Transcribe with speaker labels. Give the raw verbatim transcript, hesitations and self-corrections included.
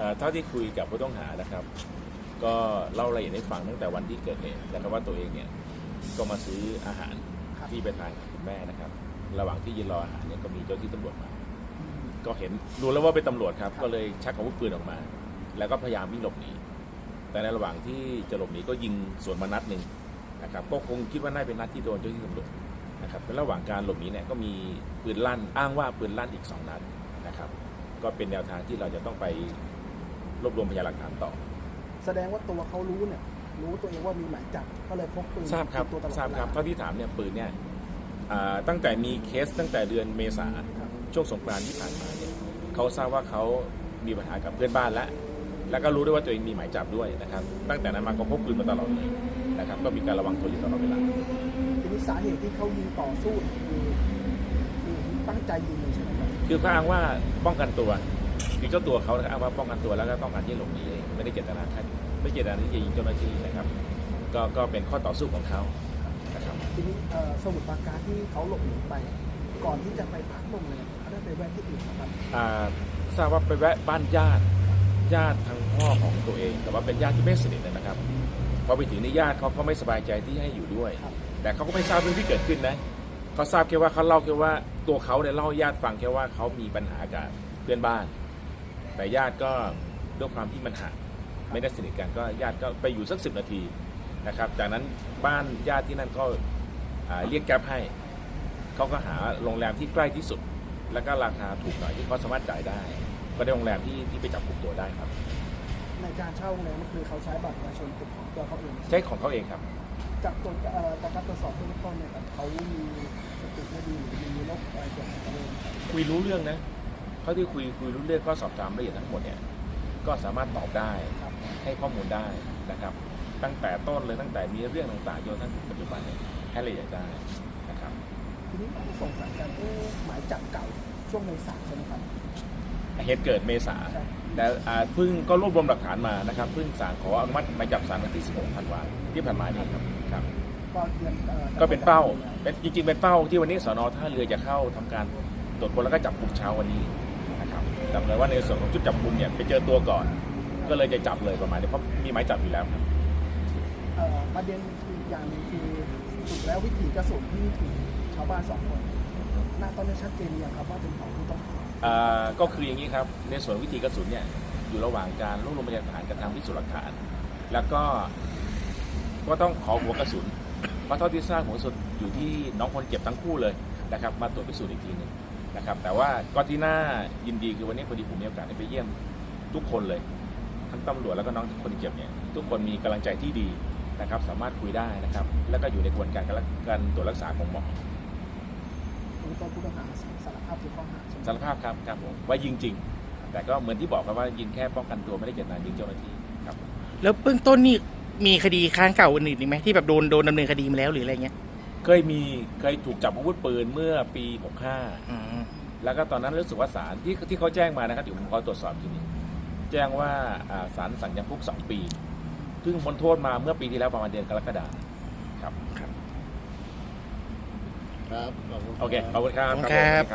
Speaker 1: เท่าที่คุยกับผู้ต้องหานะครับก็เล่ารายละเอียดให้ฟังตั้งแต่วันที่เกิดเหตุนะครับว่าตัวเองเนี่ยก็มาซื้ออาหารที่ไปทานกับคุณแม่นะครับระหว่างที่ยืนรออาหารเนี่ยก็มีเจ้าที่ตำรวจมาก็เห็นรู้แล้วว่าเป็นตำรวจครับก็เลยชักอาวุธปืนออกมาแล้วก็พยายามวิ่งหลบหนีแต่ในระหว่างที่จะหลบหนีก็ยิงสวนมานัดหนึ่งนะครับก็คงคิดว่าน่าเป็นนัดที่โดนเจ้าที่ตำรวจนะครับในระหว่างการหลบหนีเนี่ยก็มีปืนลั่นอ้างว่าปืนลั่นอีกสองนัดนะครับก็เป็นแนวทางที่เราจะต้องไปรวบรวมพยานหลักฐานต่อ
Speaker 2: แสดงว่าตัวเขารู้เนี่ยรู้ตัวเองว่ามีหมายจับก็เลยพกปืน
Speaker 1: ทราบครับทราบครับเท่าที่ถามเนี่ยปืนเนี่ยตั้งแต่มีเคสตั้งแต่เดือนเมษาช่วงสงกรานต์ที่ผ่านมาเนี่ยเขาทราบว่าเขามีปัญหากับเพื่อนบ้านแล้วแล้วก็รู้ด้วยว่าตัวเองมีหมายจับด้วยนะครับตั้งแต่นั้นมาก็พกปืนมาตลอดเลยนะครับก็มีการระวังตัวอยู่ตลอดเวลา
Speaker 2: ทีนี้สาเหตุที่เขายิงต่อสู้คือคือตั้งใจยิงเลยใช่ไหมครับ
Speaker 1: คือเขาอ้างว่าป้องกันตัวคือเจ้าตัวเขาอ้างว่าป้องกันตัวแล้วก็ต้องการที่หลบหนีเองไม่ได้เจตนาฆ่าไม่เจตนาที่จะยิงเจ้าหน้าที่นะครับก็ก็เป็นข้อต่อสู้ของเขานะครับ
Speaker 2: ทีนี้สมุทรปราการที่เขาหลบหนีไปก่อนที่จะไปพักโรงแรมเขาได้ไปแวะที่อื่นครับ
Speaker 1: ทราบว่าไปแวะบ้านญาติญาติทางพ่อของตัวเองแต่ว่าเป็นญาติที่ไม่สนิทนะครับพอไปถึงในญาติเขาก็ไม่สบายใจที่ให้อยู่ด้วยแต่เขาก็ไม่ทราบเรื่องที่เกิดขึ้นนะเขาทราบแค่ว่าเขาเล่าแค่ว่าตัวเขาเนี่ยเล่าให้ญาติฟังแค่ว่าเขามีปัญหากับเพื่อนบ้านแต่ญาติก็ด้วยความที่มันห่างไม่ได้สนิทกันก็ญาติก็ไปอยู่สักสิบนาทีนะครับจากนั้นบ้านญาติที่นั่นก็เรียกแก๊ปให้เขาก็หาโรงแรมที่ใกล้ที่สุดแล้วก็ราคาถูกหน่อยที่เขาสามารถจ่ายได้ก็ได้โรงแรมที่ที่ไปจับกลุ่มตัวได้ครับ
Speaker 2: ในการเช่าโรงแรมก็คือเขาใช้บัตรประชาชนของตัวเขาเอง
Speaker 1: ใช้ของเขาเองครับ
Speaker 2: จากตัวจากการตรวจสอบเบื้องต้นเนี่ยเขามีสติไม่ดีมีโรคอะไรเกี่ยวกับตัวเอง
Speaker 1: คุยรู้เรื่องนะเขาที่คุยคุยรู้เรื่องก็สอบถามละเอียดทั้งหมดเนี่ยก็สามารถตอบได้ให้ข้อมูลได้นะครับตั้งแต่ต้นเลยตั้งแต่มีเรื่องต่างๆจนทั้งปัจจุบันเนี่ยให้ละเอียดได้นะครับ
Speaker 2: ทีนี้ส่งสารกันหมายจับเก่าช่วงเมษาใช่ไหมครับ
Speaker 1: เหตุเกิดเมษาแต่เพิ่งก็รวบรวมหลักฐานมานะครับเพิ่งศาลขออนุมัติหมายจับศาลวันที่สิบหกธันวาคมที่ผ่านมานี่ครับครับก็เป็นเป้าเป็นจริงๆเป็นเป้าที่วันนี้สน.ท่าเรือจะเข้าทำการตรวจค้นแล้วก็จับกลุ่มเช้าวันนี้นะครับแต่เลยว่าในส่วนของชุดจับกลุ่มเนี่ยไปเจอตัวก่อนก็เลยจะจับเลยประมาณนี้เพราะมีหมายจับอยู่แล้วครับ
Speaker 2: ประเด็นคืออย่างนึงคือสุดแล้ววิถีกระสุนที่ถูกชาวบ้านสองคนหน้าตอนนี้ชัดเจนอย่างครับว่าเป็นของผู้ต้องหา
Speaker 1: ก็คืออย่างนี้ครับในส่วนวิธีกระสุนเนี่ยอยู่ระหว่างการรวบรวมพยานหลักฐานกับทางพิสูจน์หลักฐานแล้วก็ก็ต้องขอหัวกระสุนเพราะเท่าที่ทราบหัวกระสุนอยู่ที่น้องคนเจ็บทั้งคู่เลยนะครับมาตรวจพิสูจน์อีกทีหนึ่งนะครับแต่ว่าก็ที่น่ายินดีคือวันนี้พอดีผมมีโอกาสได้ไปเยี่ยมทุกคนเลยทั้งตำรวจแล้วก็น้องคนเจ็บเนี่ยทุกคนมีกำลังใจที่ดีนะครับสามารถคุยได้นะครับแล้วก็อยู่ในกระบวนการการตรวจรักษาของหมอ
Speaker 2: ผู้ต้องหาสารภาพทุกข้อหา
Speaker 1: สารภาพครับครับผมว่ายิงจริงแต่ก็เหมือนที่บอกครับว่ายิงแค่ป้องกันตัวไม่ได้เจตนายิงเจ้าหน้าที่ครับ
Speaker 3: แล้วเบื้องต้นนี่มีคดีค้างเก่าอื่นๆไหมที่แบบโดนโดนดำเนินคดีมาแล้วหรืออะไรเงี้ย
Speaker 1: เคยมีเคยถูกจับอาวุธปืนเมื่อปีหกห้าแล้วก็ตอนนั้นรู้สึกว่าศาลที่ที่เขาแจ้งมานะครับเดี๋ยวผมขอตรวจสอบทีนี้แจ้งว่าศาลสั่งจำคุกสองปีซึ่งพ้นโทษมาเมื่อปีที่แล้วประมาณเดือนกรกฎาคมครับ
Speaker 4: ครับ
Speaker 1: โอเคขอบคุณครับ